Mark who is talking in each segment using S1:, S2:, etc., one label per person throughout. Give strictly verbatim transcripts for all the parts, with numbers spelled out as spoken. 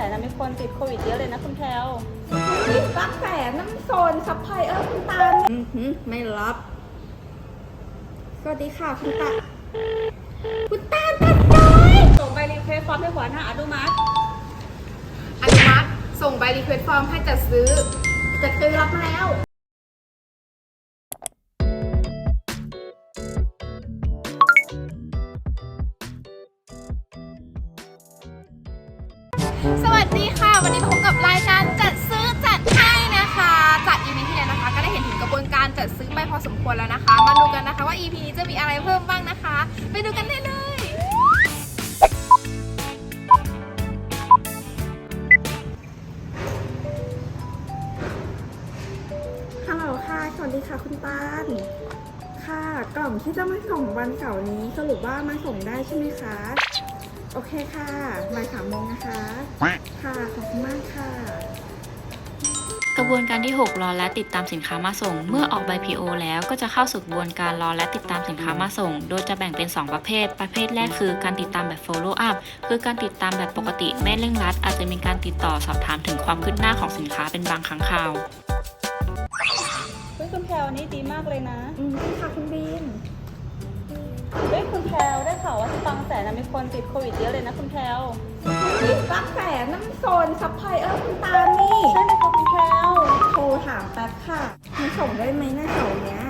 S1: นนะมีคนติดโควิดเยอะเลยนะคุณแพลว
S2: นี่บางแสนน้ำโซนซัพพลายเออร์คุณตาลอือหือไม่รับ สวัสดีค่ะคุณตาคุณตาลตัดน้อย
S1: ส่งใบรีเควสฟอร์มให้หัวหน้าอนุมัติ
S2: อนุมัติส่งใบรีเควสฟอร์มให้จัดซื้อจัดซื้อรับมาแล้วสวัสดีค่ะวันนี้พบกับรายการจัดซื้อจัดให้นะคะจาก อี พี ที่แล้วนะคะก็ได้เห็นถึงกระบวนการจัดซื้อไปพอสมควรแล้วนะคะมาดูกันนะคะว่า อี พี นี้จะมีอะไรเพิ่มบ้างนะคะไปดูกันได้เลยฮัลโหลค่ะสวัสดีค่ะคุณตาลค่ะกล่องที่จะมาส่งวันเสาร์นี้สรุปว่ามาส่งได้ใช่ไหมคะโอเคค่ะบ่ายสามโมงนะคะค่ะขอบคุณมากค่ะ
S3: กระบวนการที่หกรอและติดตามสินค้ามาส่งเมื่อออกใบ พี โอ แล้วก็จะเข้าสู่กระบวนการรอและติดตามสินค้ามาส่งโดยจะแบ่งเป็นสองประเภทประเภทแรกคือการติดตามแบบ follow up คือการติดตามแบบปกติไม่เร่งรัดอาจจะมีการติดต่อสอบถามถึงความคืบหน้าของสินค้าเป็นบางครั้งคราว
S1: เฮ้ยคุณแพลวนี่ดีมากเลยนะ
S2: อืมค่ะคุณบีม
S1: เฮ้ยคุณแพลวได้ข่าวว่าที่บางแสนนะมีคนติดโควิดเยอะเลยนะคุณแพลว
S2: นี่บางแสนน้ำโซนซัพพลายเออร์คุณตาลนี่
S1: ใช่ไหมคะคุณแพลว
S2: โทรถามแป๊บค่ะมันส่งได้ไหมหน้าเสาร์เนี้ย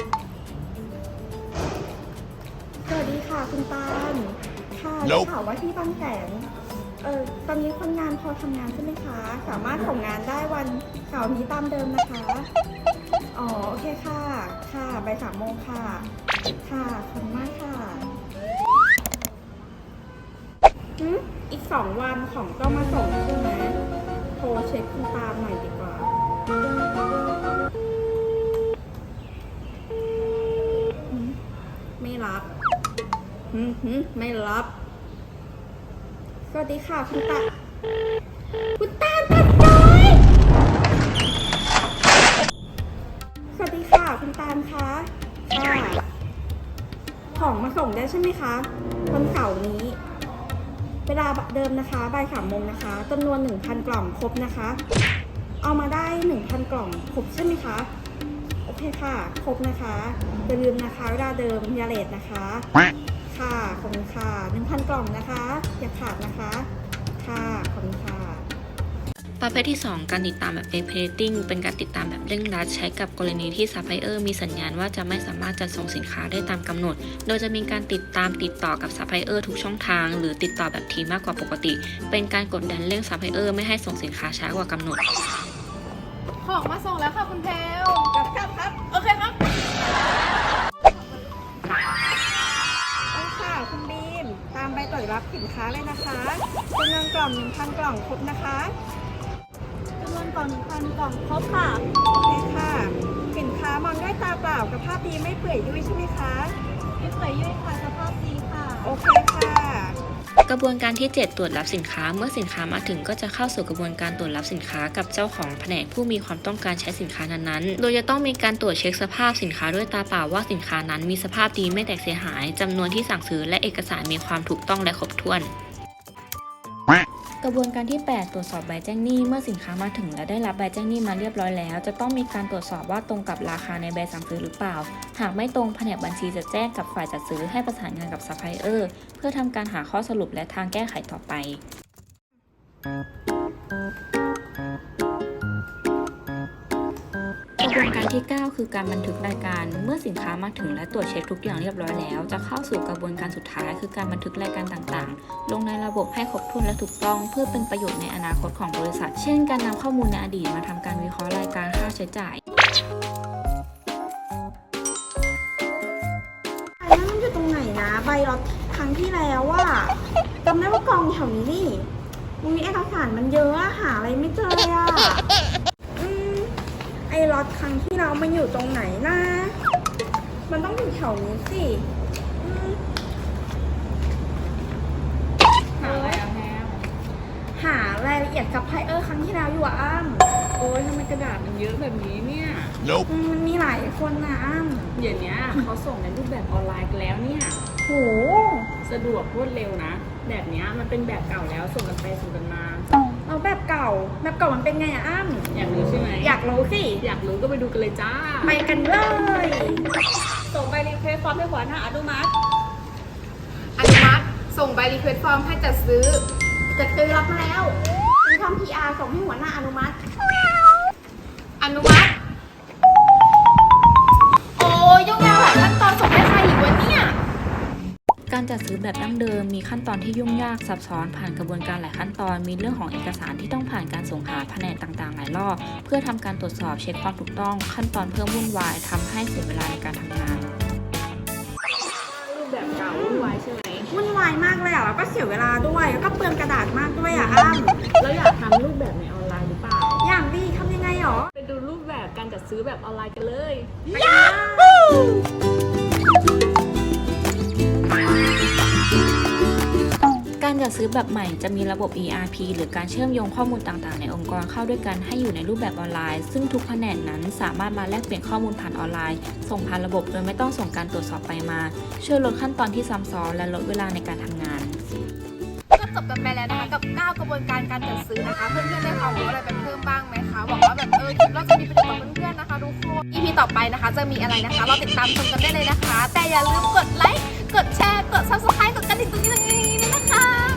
S2: สวัสดีค่ะคุณตาลค่ะได้ข่าวว่าที่บางแสนเออตอนนี้คนงานพอทำงานใช่ไหมคะสามารถส่งงานได้วันเสาร์นี้ตามเดิมนะคะอ๋อโอเคค่ะค่ะบ่ายสามโมงค่ะค่ะขอบคุณมากค่ะหืมอีกสองวันของก็มาส่งใช่ไหมโทรเช็คคุณตามหน่อยดีกว่าหืมไม่รับหืมหืมไม่รับ สวัสดีค่ะคุณตาคุณตาตัดน้อยสวัสดีค่ะคุณตาลคะค่ะของมาส่งได้ใช่ไหมคะวันเสาร์นี้ เวลาเดิมนะคะบ่ายสามโมงนะคะจำนวนหนึ่งพันกล่องครบนะคะ เอามาได้หนึ่งพันกล่องครบใช่ไหมคะโอเคค่ะครบนะคะอย่าลืมนะคะเวลาเดิมอยาเลทนะคะค่ะขอบคุณค่ะหนึ่งพันกล่องนะคะอย่าขาดนะคะค่ะขอบคุณค่ะ
S3: ประเภทที่สองการติดตามแบบ escalating เป็นการติดตามแบบเร่งรัดใช้กับกรณีที่ซัพพลายเออร์มีสัญญาณว่าจะไม่สามารถจัดส่งสินค้าได้ตามกำหนดโดยจะมีการติดตามติดต่อกับซัพพลายเออร์ทุกช่องทางหรือติดต่อแบบทีมมากกว่าปกติเป็นการกดดันเร่งซัพพลายเออร์ไม่ให้ส่งสินค้าช้ากว่ากำหนด
S2: ของมาส่งแล้วค่ะคุณเพลครับครับครับโอเคครับโอเคค่ะคุณบีมตามใบตรวจรับสินค้าเลยนะคะจำนวนกล่องหนึ่งพันกล่องครบนะคะจำนวนกล่องหนึ่งพันกล่องครบค่ะโอเคค่ะสินค้ามองด้วยตาเปล่ากับภาพดีไม่เปื่อยยุ่ยใช่ไหมคะไม่เปื่อยยุ่ยค่ะสภาพดีค่ะโอเคค่ะ
S3: กระบวนการที่เจ็ดตรวจรับสินค้าเมื่อสินค้ามาถึงก็จะเข้าสู่กระบวนการตรวจรับสินค้ากับเจ้าของแผนกผู้มีความต้องการใช้สินค้านั้นๆโดยจะต้องมีการตรวจเช็คสภาพสินค้าด้วยตาเปล่าว่าสินค้านั้นมีสภาพดีไม่แตกเสียหายจำนวนที่สั่งซื้อและเอกสารมีความถูกต้องและครบถ้วนกระบวนการที่แปดตรวจสอบใบแจ้งหนี้เมื่อสินค้ามาถึงและได้รับใบแจ้งหนี้มาเรียบร้อยแล้วจะต้องมีการตรวจสอบว่าตรงกับราคาในใบสั่งซื้อหรือเปล่าหากไม่ตรงแผนกบัญชีจะแจ้งกับฝ่ายจัดซื้อให้ประสานงานกับซัพพลายเออร์เพื่อทำการหาข้อสรุปและทางแก้ไขต่อไปกระบวนการที่เก้าคือการบันทึกรายการเมื่อสินค้ามาถึงและตรวจเช็คทุกอย่างเรียบร้อยแล้วจะเข้าสู่กระบวนการสุดท้ายคือการบันทึกรายการต่างๆลงในระบบให้ครบถ้วนและถูกต้องเพื่อเป็นประโยชน์ในอนาคตของบริษัทเช่นการนำข้อมูลในอดีตมาทำการวิเคราะห์รายการค่าใช้จ่าย
S2: อันนั้นมันอยู่ตรงไหนนะใบรถครั้งที่แล้วว่าจำได้ว่ากองแถวนี้นี่มันมีเอกสารมันเยอะอะหาอะไรไม่เจอเลยอะอืมไอ้รถครั้งที่เรามันอยู่ตรงไหนนะมันต้องอยู่แถวนี้สิอืมหาอะไรอะแพมหารายละเอียดกับไพเออร์ครั้งที่แล้วอยู่อะอ้ำ
S4: โอ้ยทำไมกระดาษมันเยอะแบบนี้เนี่ย
S2: อืมมันมีหลายคนนะอ้ำ
S4: เดี๋ยวนี้เขาส่งในรูปแบบออนไลน์กันแล้วเนี่ย
S2: โห
S4: สะดวกรวดเร็วนะ แบบนี้มันเป็นแบบเก่าแล้วส่งกันไปส่งกันมา
S2: เอาแบบเก่าแบบเก่ามันเป็นไงอะอ้ำ
S4: อยากรู้ใช่ไหม
S2: อยากรู้สิ
S4: อยากรู้ก็ไปดูกันเลยจ้า
S2: ไปกันเลย
S1: ส่งใบรีเควสฟอร์มให้หัวหน้าอนุมัติ
S5: อนุมัติส่งใบรีเควสฟอร์มให้จัดซื้อ
S2: จะซื้อรับมาแล้วซื้อทำ พี อาร์ ส่งให้หัวหน้าอนุมัติ
S5: อนุมัติ โอ้ยยุ่งยากหลายขั้นตอนส่งให้ใครอีกวะเนี่ย
S3: การจัดซื้อแบบดั้งเดิมมีขั้นตอนที่ยุ่งยากซับซ้อนผ่านกระบวนการหลายขั้นตอนมีเรื่องของเอกสารที่ต้องผ่านการส่งหาแผนกต่างๆหลายรอบเพื่อทำการตรวจสอบเช็คความถูกต้องขั้นตอนเพิ่มวุ่นวายทำให้เสียเวลาในการทำงาน
S4: รูปแบบเก่าวุ่นวายใช่ไหม
S2: วุ่นวายมากเลยอ่ะแล้วก็เสียเวลาด้วยแล้วก็เปลืองกระดาษมากด้วยอ่ะอ้ำ
S4: แล้วอยากทำรูปแบบในออนไลน์หรือเปล่า
S2: อย่างดีทำยังไงหรอ
S4: ไปดูรูปแบบการจัดซื้อแบบออนไลน์กันเลย
S3: การจัดซื้อแบบใหม่จะมีระบบ อี อาร์ พี หรือการเชื่อมโยงข้อมูลต่างๆ ในองค์กรเข้าด้วยกันให้อยู่ในรูปแบบออนไลน์ ซึ่งทุกแผนกนั้นสามารถมาแลกเปลี่ยนข้อมูลผ่านออนไลน์ ส่งผ่านระบบโดยไม่ต้องส่งการตรวจสอบไปมา ช่วยลดขั้นตอนที่ซ้ำซ้อนและลดเวลาในการทำงาน
S5: ก็จบกันไปแล้วนะคะกับเก้ากระบวนการการจัดซื้อนะคะ เพื่อนๆได้ความรู้อะไรไปเพิ่มบ้างไหมคะหวังว่าแบบเออคลิปเราจะมีประโยชน์กับเพื่อนๆนะคะทุกคน อี พี ต่อไปนะคะจะมีอะไรนะคะเราติดตามชมกันได้เลยนะคะ แต่อย่าลืมกดไลค์กดแชร์กด ซับสไครบ์ กดกระดิ่งตรงนี้ตรงนี้ด้วยนะคะ